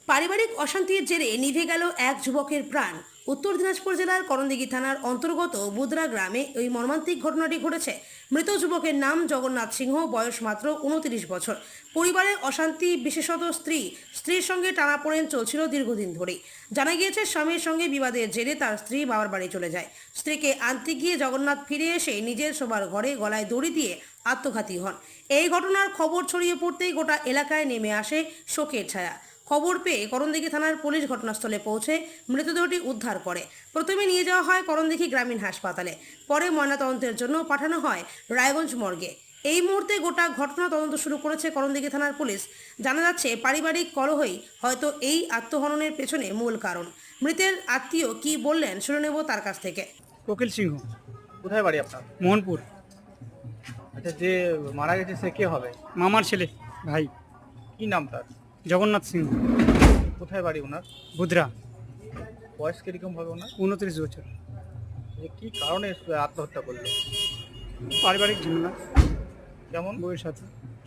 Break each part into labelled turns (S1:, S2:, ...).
S1: পারিবারিক অশান্তির জেরে নিভে গেল এক যুবকের প্রাণ। উত্তর দিনাজপুর জেলার করণদিঘি থানার অন্তর্গত বুদরা গ্রামে ওই মর্মান্তিক ঘটনাটি ঘটেছে। মৃত যুবকের নাম জগন্নাথ সিংহ, বয়স মাত্র 29 বছর। পরিবারের অশান্তি, বিশেষত স্ত্রীর সঙ্গে টানাপোড়েন চলছিল দীর্ঘদিন ধরেই। জানা গিয়েছে, স্বামীর সঙ্গে বিবাদের জেরে তার স্ত্রী বাবার বাড়ি চলে যায়। স্ত্রীকে আনতে গিয়ে জগন্নাথ ফিরে এসে নিজের শোবার ঘরে গলায় দড়ি দিয়ে আত্মঘাতী হন। এই ঘটনার খবর ছড়িয়ে পড়তেই গোটা এলাকায় নেমে আসে শোকের ছায়া। খবর পেয়ে করণদিঘি থানার পুলিশ ঘটনাস্থলে পৌঁছে মৃতদেহটি উদ্ধার করে। প্রথমে নিয়ে যাওয়া হয় করণদিঘি গ্রামীণ হাসপাতালে, পরে ময়নাতদন্তের জন্য পাঠানো হয় রায়গঞ্জ মর্গে। এই মুহূর্তে গোটা ঘটনা তদন্ত শুরু করেছে করণদিঘি থানার পুলিশ। জানা যাচ্ছে, পারিবারিক কলহই হয়তো এই আত্মহননের পেছনে মূল কারণ। মৃতের আত্মীয় কি বললেন শুনে নেব তার কাছ থেকে।
S2: কোকিল সিংহ,
S3: কোথায় বাড়ি আপনার?
S2: মোহনপুর।
S3: আচ্ছা, যে মারা গেছে সে কে হবে?
S2: মামার ছেলে, ভাই।
S3: কি নাম তার?
S2: জগন্নাথ সিংহ,
S3: কোথায় বাড়ি ওনার?
S2: বুদরা।
S3: বয়স কিরকম হবে ওনার?
S2: 29 বছর।
S3: যে কি কারণে আত্মহত্যা করলো?
S2: পারিবারিক ঝামেলা,
S3: কেমন?
S2: বউয়ের সাথে।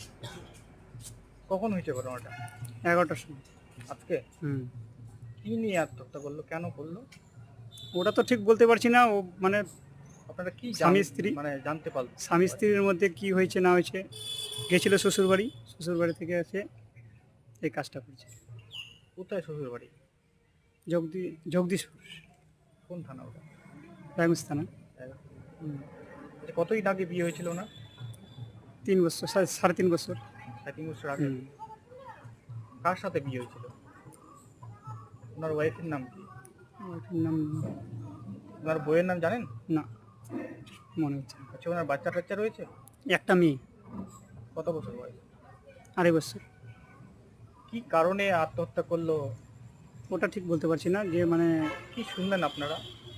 S3: কখন হয়েছে ঘটনাটা?
S2: 11টার সময়।
S3: আজকে?
S2: হুম।
S3: কি নিয়ে আত্মহত্যা করলো, কেন করলো?
S2: ওটা তো ঠিক বলতে পারছি না। ও মানে
S3: আপনারা কি
S2: স্বামী স্ত্রী,
S3: মানে জানতে পারলো?
S2: স্বামী স্ত্রীর মধ্যে কি হয়েছে না হয়েছে, গেছিল শ্বশুরবাড়ি, শ্বশুরবাড়ি থেকে এসে এই কাজটা করছে।
S3: কোথায় শ্বশুর বাড়ি?
S2: জগদীশপুর,
S3: কোন থানা ওটা?
S2: রায়গঞ্জ থানা।
S3: আচ্ছা, কতদিন আগে বিয়ে হয়েছিল ওনার?
S2: 3 বছর, 3.5 বছর।
S3: 3 বছর আগে।
S2: হুম।
S3: কার সাথে বিয়ে হয়েছিল? ওনার ওয়াইফের নাম কি?
S2: ওটার নাম
S3: ওনার বইয়ের নাম জানেন?
S2: না, মনে হচ্ছে না।
S3: আচ্ছা, ওনার বাচ্চা টাচ্চা রয়েছে?
S2: একটা মেয়ে,
S3: কত বছর বয়স?
S2: 2.5 বছর।
S3: কি কারণে আত্মহত্যা করলো
S2: ওটা ঠিক বলতে পারছি না। যে মানে
S3: কি শুনলেন আপনারা?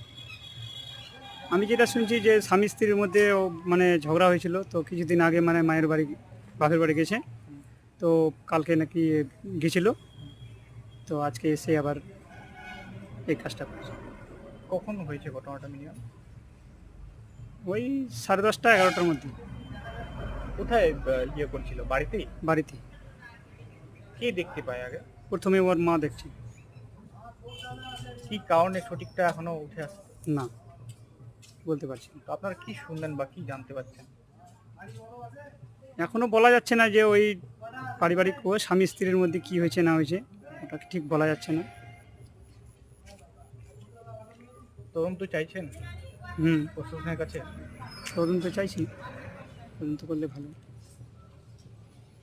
S2: আমি যেটা শুনছি যে স্বামী স্ত্রীর মধ্যে মানে ঝগড়া হয়েছিল, তো কিছুদিন আগে মানে মায়ের বাড়ি, বাপের বাড়ি গেছে, তো কালকে নাকি গেছিল, তো আজকে এসে আবার এই কাজটা করছে।
S3: কখন হয়েছে ঘটনাটা মিনিমাম?
S2: ওই 10:30 11টার মধ্যে।
S3: কোথায় ইয়ে করছিল? বাড়িতেই?
S2: বাড়িতে।
S3: কে দেখতে পায় আগে?
S2: প্রথমে ওর মা দেখছে।
S3: কি কারণে সঠিকটা এখনো উঠে আসছে
S2: না, বলতে পারছি না।
S3: তো আপনারা কি শুনলেন বা কি জানতে পারছেন?
S2: এখনো বলা যাচ্ছে না যে ওই পারিবারিক ও স্বামী স্ত্রীর মধ্যে কি হয়েছে না হয়েছে, ওটা ঠিক বলা যাচ্ছে না।
S3: তদন্ত চাইছেন
S2: হুম,
S3: প্রশাসনের কাছে?
S2: তদন্ত চাইছি, তদন্ত করলে ভালো।